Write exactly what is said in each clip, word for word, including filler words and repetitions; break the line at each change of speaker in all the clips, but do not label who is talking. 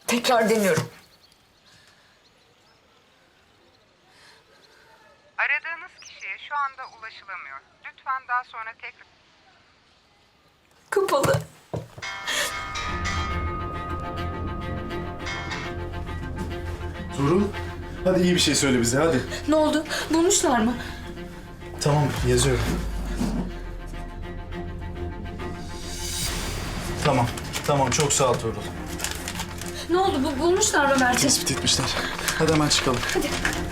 Tekrar deniyorum.
Aradığınız kişiye şu anda ulaşılamıyor. Lütfen daha sonra tekrar...
Kapalı.
Tuğrul, hadi iyi bir şey söyle bize, hadi.
Ne oldu? Bulmuşlar mı?
Tamam, yazıyorum. Tamam, tamam. Çok sağ ol Tuğrul.
Ne oldu? Bu, bulmuşlar mı Mert'i?
Tespit etmişler. Hadi hemen çıkalım.
Hadi.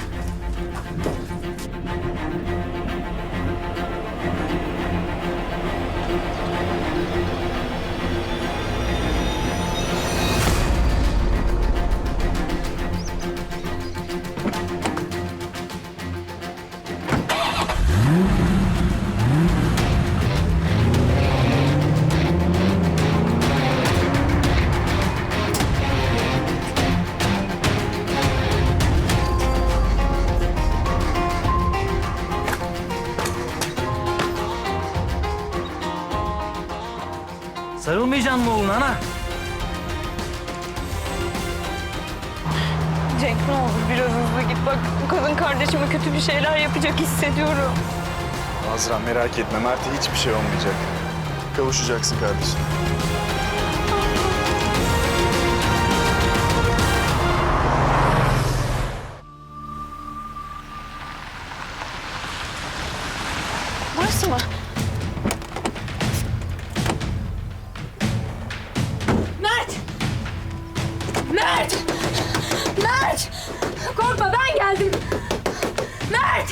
Sarılmayacaksın mı oğluna ana?
Cenk ne olur biraz hızlı git. Bak bu kadın kardeşime kötü bir şeyler yapacak hissediyorum.
Azra merak etme, Mert'e hiçbir şey olmayacak. Kavuşacaksın kardeşim.
Burası mı?
Mert! Mert! Mert! Korkma ben geldim. Mert!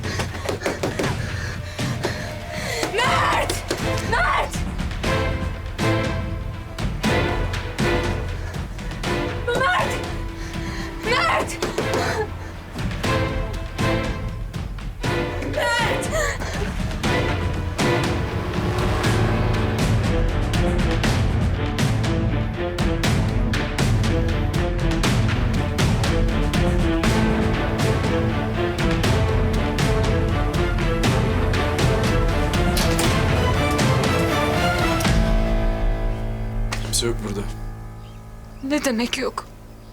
Mert! Mert! Mert! Mert! Mert!
Kimse yok burada.
Ne demek yok?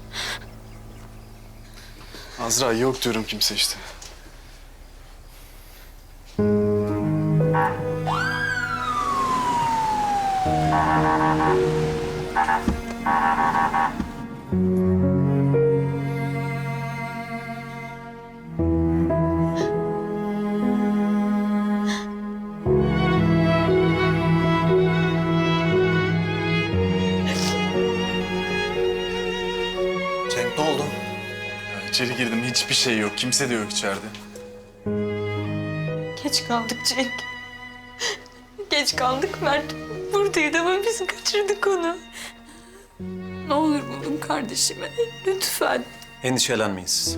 Azra yok diyorum kimse işte.
Cenk ne oldu?
Ya içeri girdim, hiçbir şey yok. Kimse de yok içeride.
Geç kaldık Cenk. Geç kaldık Mert. Buradaydı ama biz kaçırdık onu.
Ne olur bulun kardeşimi. Lütfen.
Endişelenmeyin siz.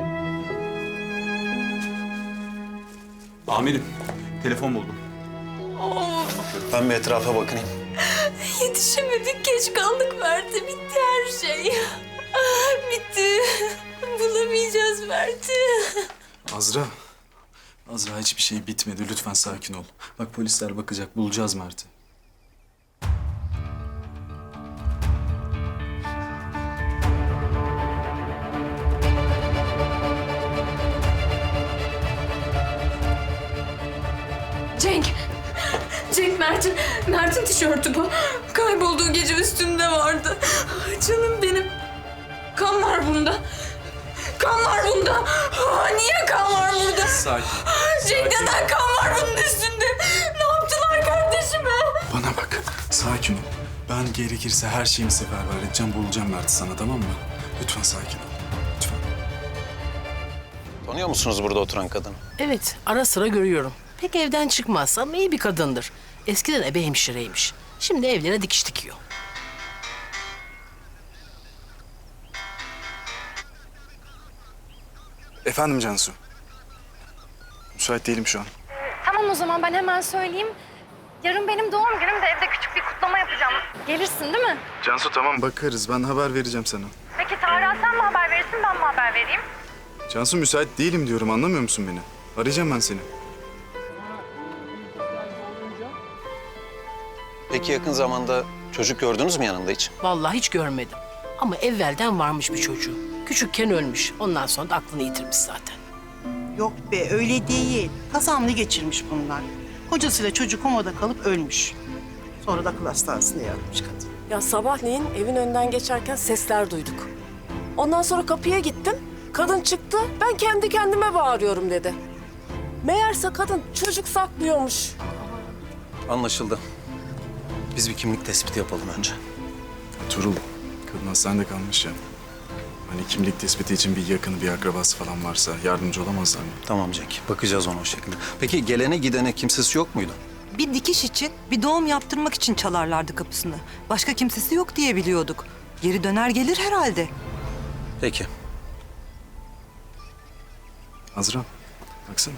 Amirim, telefon buldum.
Ben bir etrafa bakayım.
Yetişemedik, geç kaldık Mert'e. Bitti her şey. Bitti. Bulamayacağız Mert'i.
Azra. Azra hiçbir şey bitmedi. Lütfen sakin ol. Bak polisler bakacak. Bulacağız Mert'i.
Cenk. Cenk Mert'in, Mert'in tişörtü bu. Kaybolduğu gece üstünde vardı. Ay canım benim. Kan var bunda. Kan var bunda. Aa, niye kan var burada?
Sakin.
Cenk neden kan var bunun üstünde? Ne yaptılar kardeşime?
Bana bak. Sakin ol. Ben gerekirse her şeyimi seferber edeceğim. Bulacağım Mert'i sana, tamam mı? Lütfen sakin ol. Lütfen.
Tanıyor musunuz burada oturan kadını?
Evet, ara sıra görüyorum. Pek evden çıkmaz ama iyi bir kadındır. Eskiden ebe hemşireymiş. Şimdi evlere dikiş dikiyor.
Efendim Cansu. Müsait değilim şu an.
Tamam o zaman ben hemen söyleyeyim. Yarın benim doğum günüm de evde küçük bir kutlama yapacağım. Gelirsin değil mi?
Cansu tamam bakarız. Ben haber vereceğim sana.
Peki Tarık'a sen mi haber verirsin ben mi haber vereyim?
Cansu müsait değilim diyorum, anlamıyor musun beni? Arayacağım ben seni.
Peki yakın zamanda çocuk gördünüz mü yanında hiç?
Vallahi hiç görmedim. Ama evvelden varmış bir çocuğu. Küçükken ölmüş. Ondan sonra da aklını yitirmiş zaten.
Yok be öyle değil. Kazamlı geçirmiş bunlar. Kocasıyla çocuk komada kalıp ölmüş. Sonra da akıl hastanesine yatmış kadın.
Ya sabahleyin evin önünden geçerken sesler duyduk. Ondan sonra kapıya gittim. Kadın çıktı. Ben kendi kendime bağırıyorum dedi. Meğerse kadın çocuk saklıyormuş.
Anlaşıldı. Biz bir kimlik tespiti yapalım önce.
Tuğrul, kadın hastanede kalmış ya. Hani kimlik tespiti için bir yakını, bir akrabası falan varsa yardımcı olamazlar mı?
Tamam Cenk. Bakacağız ona o şekilde. Peki gelene gidene kimsesi yok muydu?
Bir dikiş için, bir doğum yaptırmak için çalarlardı kapısını. Başka kimsesi yok diye biliyorduk. Geri döner gelir herhalde.
Peki.
Azra, baksana.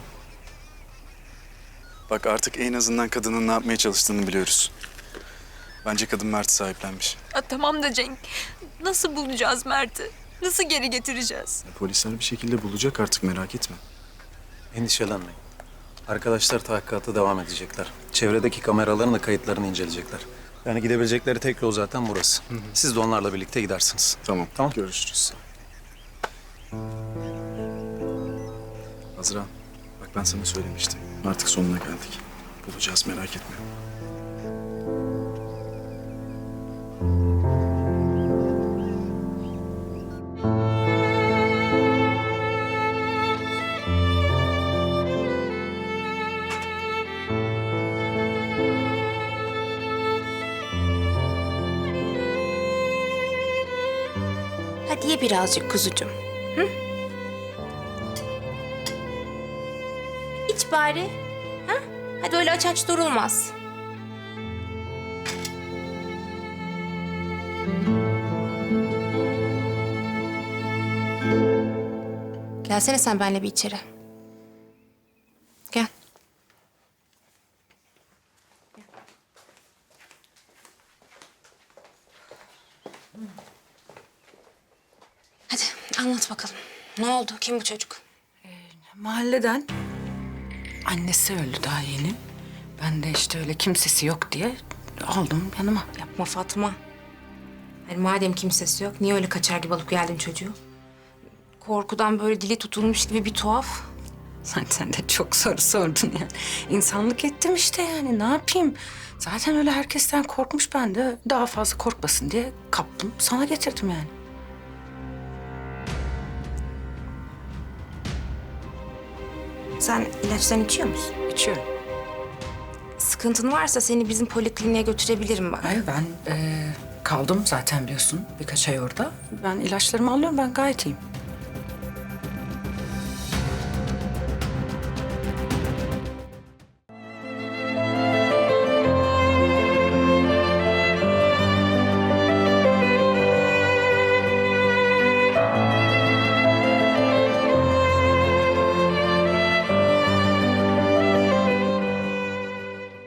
Bak artık en azından kadının ne yapmaya çalıştığını biliyoruz. Bence kadın Mert'i sahiplenmiş.
Ya tamam da Cenk, nasıl bulacağız Mert'i? Nasıl geri getireceğiz?
Polisler bir şekilde bulacak artık, merak etme.
Endişelenmeyin. Arkadaşlar tahkikata devam edecekler. Çevredeki kameraların da kayıtlarını inceleyecekler. Yani gidebilecekleri tek yol zaten burası. Siz de onlarla birlikte gidersiniz.
Tamam,
Tamam.
görüşürüz. Azra, bak ben sana söylemiştim. Artık sonuna geldik. Bulacağız, merak etme.
Hadi ye birazcık kuzucuğum. Hı? İç bari. Ha? Hadi öyle aç aç durulmaz. Gelsene sen benimle bir içeri. Gel. Hadi anlat bakalım. Ne oldu? Kim bu çocuk?
Mahalleden annesi öldü daha yeni. Ben de işte öyle kimsesi yok diye aldım yanıma.
Yapma Fatma. Yani madem kimsesi yok, niye öyle kaçar gibi alıp geldin çocuğu? Korkudan böyle dili tutulmuş gibi bir tuhaf.
Sen, sen de çok soru sordun yani. İnsanlık ettim işte yani ne yapayım? Zaten öyle herkesten korkmuş, ben de daha fazla korkmasın diye kaptım. Sana getirdim yani.
Sen ilaçlarını içiyor musun?
İçiyorum.
Sıkıntın varsa seni bizim polikliniğe götürebilirim ben.
Hayır ben eee, kaldım zaten biliyorsun birkaç ay orada. Ben ilaçlarımı alıyorum, ben gayet iyiyim.